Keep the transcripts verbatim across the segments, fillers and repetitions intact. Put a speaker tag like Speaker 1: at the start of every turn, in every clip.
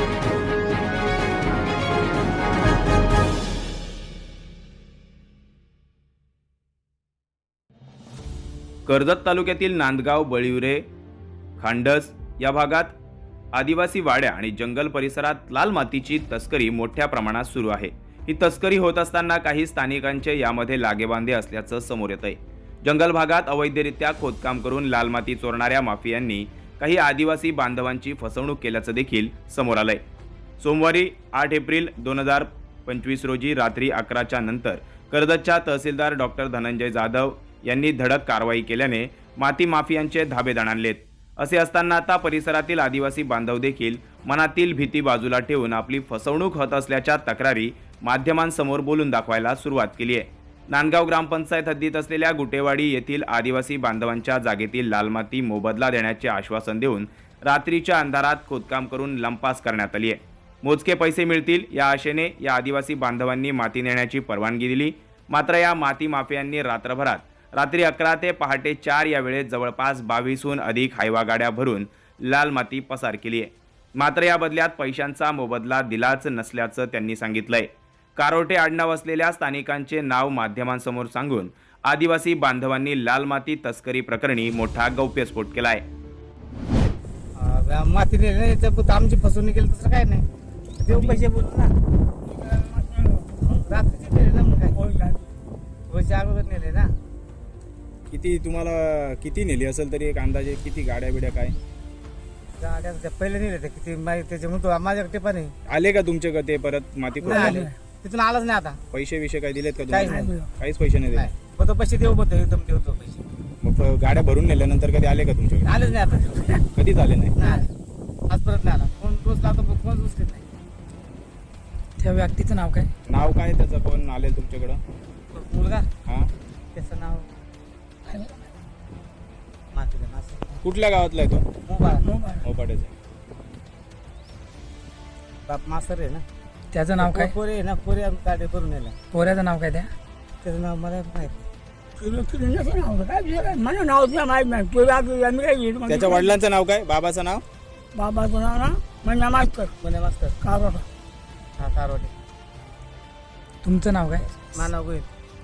Speaker 1: कर्जत तालुक्यातील नांदगाव, बळीवरे, खांडस या भागात आदिवासी वाड्या आणि जंगल परिसरात लाल मातीची तस्करी मोठ्या प्रमाणात सुरू आहे। ही तस्करी होत असताना काही स्थानिकांचे यामध्ये लागेबांधे असल्याचं समोर येतंय। जंगल भागात अवैधरित्या खोदकाम करून लाल माती चोरणाऱ्या माफियांनी काही आदिवासी बांधवांची फसवणूक केल्याचं देखील समोर आलंय। सोमवारी आठ एप्रिल दोन हजार पंचवीस रोजी रात्री अकराच्या नंतर कर्जतच्या तहसीलदार डॉक्टर धनंजय जाधव यांनी धडक कारवाई केल्याने माती माफियांचे धाबे दणाणलेत। असे असताना आता परिसरातील आदिवासी बांधव देखील मनातील भीती बाजूला ठेवून आपली फसवणूक होत असल्याच्या तक्रारी माध्यमांसमोर बोलून दाखवायला सुरुवात केली आहे। नांदगाव ग्रामपंचायत हद्दीत असलेल्या गुटेवाडी येथील आदिवासी बांधवांच्या जागेतील लाल माती मोबदला देण्याचे आश्वासन देऊन रात्रीच्या अंधारात खोदकाम करून लंपास करण्यात आली आहे। मोजके पैसे मिळतील या आशेने या आदिवासी बांधवांनी माती नेण्याची परवानगी दिली। मात्र या माती माफियांनी रात्रभरात रात्री अकरा ते पहाटे चार या वेळेत जवळपास बावीसहून अधिक हायवा गाड्या भरून लाल माती पसार केली आहे। मात्र या बदल्यात पैशांचा मोबदला दिलाच नसल्याचं त्यांनी सांगितलंय। कारोटे आडनाव असलेल्या स्थानिकांचे नाव माध्यमांसमोर सांगून आदिवासी बांधवांनी लाल माती तस्करी प्रकरणी मोठा गौप्यस्फोट केलाय।
Speaker 2: माती नेली आमची फसवणूक केली तसं काय नाही, देऊ पैसे बोलू ना, रात्रीचे नेले ना, मग काय पैसे अगोदर नेले ना।
Speaker 3: किती तुम्हाला किती नेली असेल तरी एक अंदाजे किती गाड्या बिड्या काय
Speaker 2: गाड्या त्या पहिले नेले ते किती माहिती त्याच्या म्हणतो माझ्याकडे टिपा नाही
Speaker 3: आले का तुमच्याकडे ते परत माती
Speaker 2: नाही आले, तिथून आलाच नाही आता।
Speaker 3: पैसे विषय काय दिलेत का
Speaker 2: काहीच
Speaker 3: तुम्हाला?
Speaker 2: नाही,
Speaker 3: काहीच पैसे नाही दिले।
Speaker 2: नाही पण तो पैसे देऊ बोलतो, एकदम देतो पैसे,
Speaker 3: मग गाड्या भरून नेल्यानंतर कधी आले का तुमच्याकडे?
Speaker 2: आलेच नाही आता,
Speaker 3: कधीच आले नाही।
Speaker 2: नाही आले, आज परत नाही आला। फोन रोज लावतो पण फोन उचलत नाही।
Speaker 4: त्या व्यक्तीचं नाव काय?
Speaker 3: नाव काय त्याचं? कोण आले तुमच्याकडं?
Speaker 2: मुलगा
Speaker 3: हा,
Speaker 2: त्याचं नाव माती दे, माती.
Speaker 3: कुठल्या गावातला आहे तो?
Speaker 2: मोबाईल
Speaker 3: मोपाड्याचा।
Speaker 2: बाप मास्तर आहे ना।
Speaker 4: त्याचं नाव काय?
Speaker 2: पोरे आहे ना, पोरे आम्ही गाडी करून नेला।
Speaker 4: पोऱ्याचं नाव काय? त्या
Speaker 2: त्याचं नाव मला माहिती
Speaker 3: त्याच्या वडिलांचं नाव काय? बाबाचं नाव?
Speaker 5: बाबाचं नाव ना म्हणजे मास्तर
Speaker 2: पुणे मास्तर
Speaker 5: कारोडा.
Speaker 2: हा कारवाडी।
Speaker 4: तुमचं नाव काय?
Speaker 2: मानव गोईल।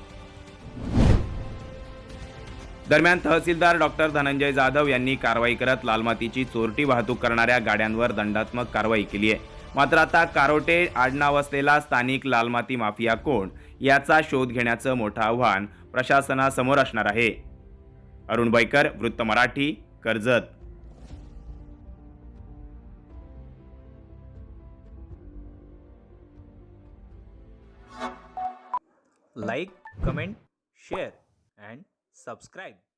Speaker 1: दरम्यान तहसीलदार डॉक्टर धनंजय जाधव यांनी कारवाई करत लाल मातीची चोरटी वाहतूक करणाऱ्या गाड्यांवर दंडात्मक कारवाई केली आहे। मात्र आता कारोटे आडनाव असलेला स्थानिक लाल माती माफिया कोण याचा शोध घेण्याचं मोठं आव्हान प्रशासनासमोर असणार आहे। अरुण बैकर, वृत्त Marathi, Karjat.
Speaker 6: Like, comment, share and subscribe.